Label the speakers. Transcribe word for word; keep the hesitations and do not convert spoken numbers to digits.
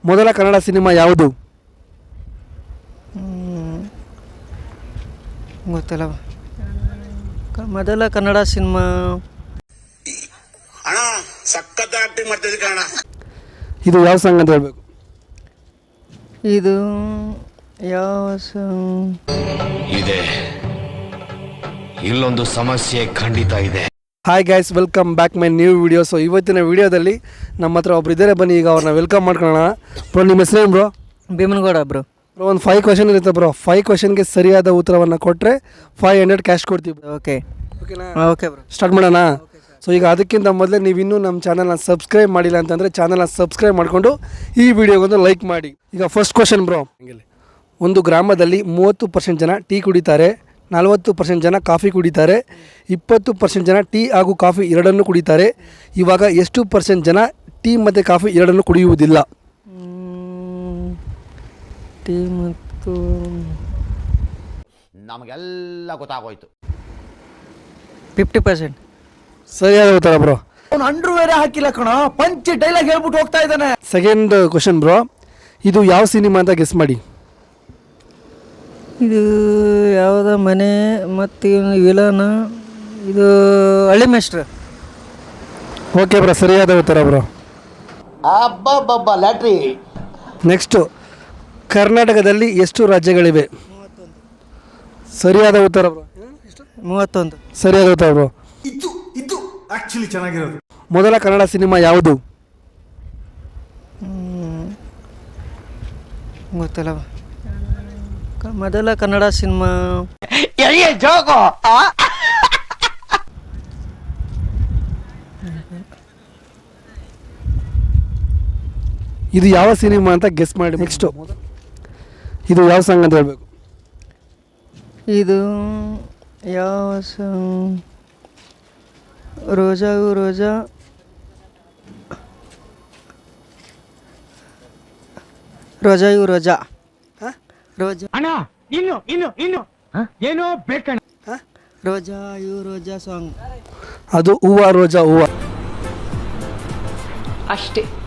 Speaker 1: ಮೊದಲ ಕನ್ನಡ ಸಿನಿಮಾ ಯಾವುದು?
Speaker 2: ಗೊತ್ತಿಲ್ಲ. ಮೊದಲ ಕನ್ನಡ ಸಿನಿಮಾ
Speaker 3: ಅಣ್ಣ ಸಖತ್ ಆಕ್ಟಿಂಗ್ ಮಾಡ್ತಿದ್ದೆ ಕಣ.
Speaker 1: ಇದು ಯಾವ ಸಾಂಗ್ ಅಂತ ಹೇಳ್ಬೇಕು.
Speaker 2: ಇದು ಯಾವ
Speaker 4: ಇದೆ, ಇಲ್ಲೊಂದು ಸಮಸ್ಯೆ ಖಂಡಿತ ಇದೆ.
Speaker 1: Hi guys, welcome back my new video. So ಇವತ್ತಿನ ವಿಡಿಯೋದಲ್ಲಿ ನಮ್ಮ ಹತ್ರ ಒಬ್ರು ಇದ್ದಾರೆ, ಬನ್ನಿ ಈಗ ಅವ್ರನ್ನ ವೆಲ್ಕಮ್ ಮಾಡ್ಕೊಳ್ಳೋಣ. ಬ್ರೋ, ನಿಮ್ಮ ಹೆಸರೇನು ಬ್ರೋ?
Speaker 2: ಭೀಮನಗೌಡ ಬ್ರೋ.
Speaker 1: ಬ್ರೋ, ಒಂದು ಫೈವ್ ಕ್ವಶನ್ ಇರುತ್ತೆ ಬ್ರೋ. ಫೈವ್ ಕ್ವಶನ್ಗೆ ಸರಿಯಾದ ಉತ್ತರವನ್ನು ಕೊಟ್ಟರೆ ಫೈವ್ ಹಂಡ್ರೆಡ್ ಕ್ಯಾಶ್ ಕೊಡ್ತೀವಿ.
Speaker 2: ಓಕೆ
Speaker 1: ಓಕೆನಾ?
Speaker 2: ಓಕೆ ಬ್ರೋ,
Speaker 1: ಸ್ಟಾರ್ಟ್ ಮಾಡೋಣ. ಸೊ ಈಗ ಅದಕ್ಕಿಂತ ಮೊದಲೇ ನೀವು ಇನ್ನೂ ನಮ್ಮ ಚಾನಲ್ನ ಸಬ್ಸ್ಕ್ರೈಬ್ ಮಾಡಿಲ್ಲ ಅಂತಂದರೆ ಚಾನಲ್ನ ಸಬ್ಸ್ಕ್ರೈಬ್ ಮಾಡಿಕೊಂಡು ಈ ವಿಡಿಯೋಗೊಂದು ಲೈಕ್ ಮಾಡಿ. ಈಗ ಫಸ್ಟ್ ಕ್ವಶನ್ ಬ್ರೋ, ಒಂದು ಗ್ರಾಮದಲ್ಲಿ ಮೂವತ್ತು ಪರ್ಸೆಂಟ್ ಜನ ಟೀ ಕುಡಿತಾರೆ, ನಲವತ್ತು ಪರ್ಸೆಂಟ್ ಜನ ಕಾಫಿ ಕುಡಿತಾರೆ, ಇಪ್ಪತ್ತು ಪರ್ಸೆಂಟ್ ಜನ ಟೀ ಹಾಗೂ ಕಾಫಿ ಎರಡನ್ನೂ ಕುಡಿತಾರೆ. ಇವಾಗ ಎಷ್ಟು ಪರ್ಸೆಂಟ್ ಜನ ಟೀ ಮತ್ತು ಕಾಫಿ ಎರಡನ್ನೂ ಕುಡಿಯುವುದಿಲ್ಲ?
Speaker 2: ಟೀ ಮತ್ತು
Speaker 4: ನಮಗೆಲ್ಲ ಗೊತ್ತಾಗೋಯ್ತು.
Speaker 2: ಫಿಫ್ಟಿ ಪರ್ಸೆಂಟ್
Speaker 1: ಸರಿಯಾದ ಉತ್ತರ ಬ್ರೋ.
Speaker 5: ಅವ್ನು ಅಂಡ್ರು ಬೇರೆ ಹಾಕಿಲ್ಲ ಕಣ, ಪಂಚ್ ಡೈಲಾಗ್ ಹೇಳ್ಬಿಟ್ಟು ಹೋಗ್ತಾ ಇದ್ದಾನೆ.
Speaker 1: ಸೆಕೆಂಡ್ ಕ್ವಶನ್ ಬ್ರೋ, ಇದು ಯಾವ ಸಿನಿಮಾ ಅಂತ ಗೆಸ್ ಮಾಡಿ.
Speaker 2: ಇದು ಯಾವುದ ಮನೆ ಮತ್ತು ವಿಲನ, ಇದು ಹಳ್ಳಿ ಮೇಸ್ಟ್ರು.
Speaker 1: ಓಕೆ ಬ್ರೋ, ಸರಿಯಾದ ಉತ್ತರ ಬ್ರೋ.
Speaker 5: ಅಬ್ಬಬ್ಬಬ್ಬ ಲ್ಯಾಟ್ರಿ.
Speaker 1: ನೆಕ್ಸ್ಟು, ಕರ್ನಾಟಕದಲ್ಲಿ ಎಷ್ಟು ರಾಜ್ಯಗಳಿವೆ? ಸರಿಯಾದ ಉತ್ತರ ಬ್ರೋ.
Speaker 2: ಮೂವತ್ತೊಂದು.
Speaker 1: ಸರಿಯಾದ ಉತ್ತರ ಬ್ರೋ.
Speaker 5: ಇದು ಇದು ಆಕ್ಚುಲಿ ಚೆನ್ನಾಗಿರೋದು.
Speaker 1: ಮೊದಲ ಕನ್ನಡ ಸಿನಿಮಾ ಯಾವುದು?
Speaker 2: ಗೊತ್ತಿಲ್ಲ. ಮೊದಲ ಕನ್ನಡ ಸಿನಿಮಾ
Speaker 1: ಇದು ಯಾವ ಸಿನಿಮಾ ಅಂತ ಗೆಸ್ ಮಾಡಿ. ನೆಕ್ಸ್ಟು, ಇದು ಯಾವ ಸಾಂಗ್ ಅಂತ ಹೇಳ್ಬೇಕು.
Speaker 2: ಇದು ಯಾವ ಸಾಂಗ್? ರೋಜಾ ರೋಜಾ ರೋಜಾ ಇವು ರೋಜಾ ರೋಜಾ
Speaker 6: ಅಣ್ಣ ಇನ್ನು ಇನ್ನು ಇನ್ನು ಏನೋ ಬೇಕಣ್ಣ.
Speaker 2: ರೋಜಾ ಇವು ರೋಜಾ ಸಾಂಗ್.
Speaker 1: ಅದು ಹೂವ ರೋಜಾ ಹೂವ
Speaker 7: ಅಷ್ಟೇ.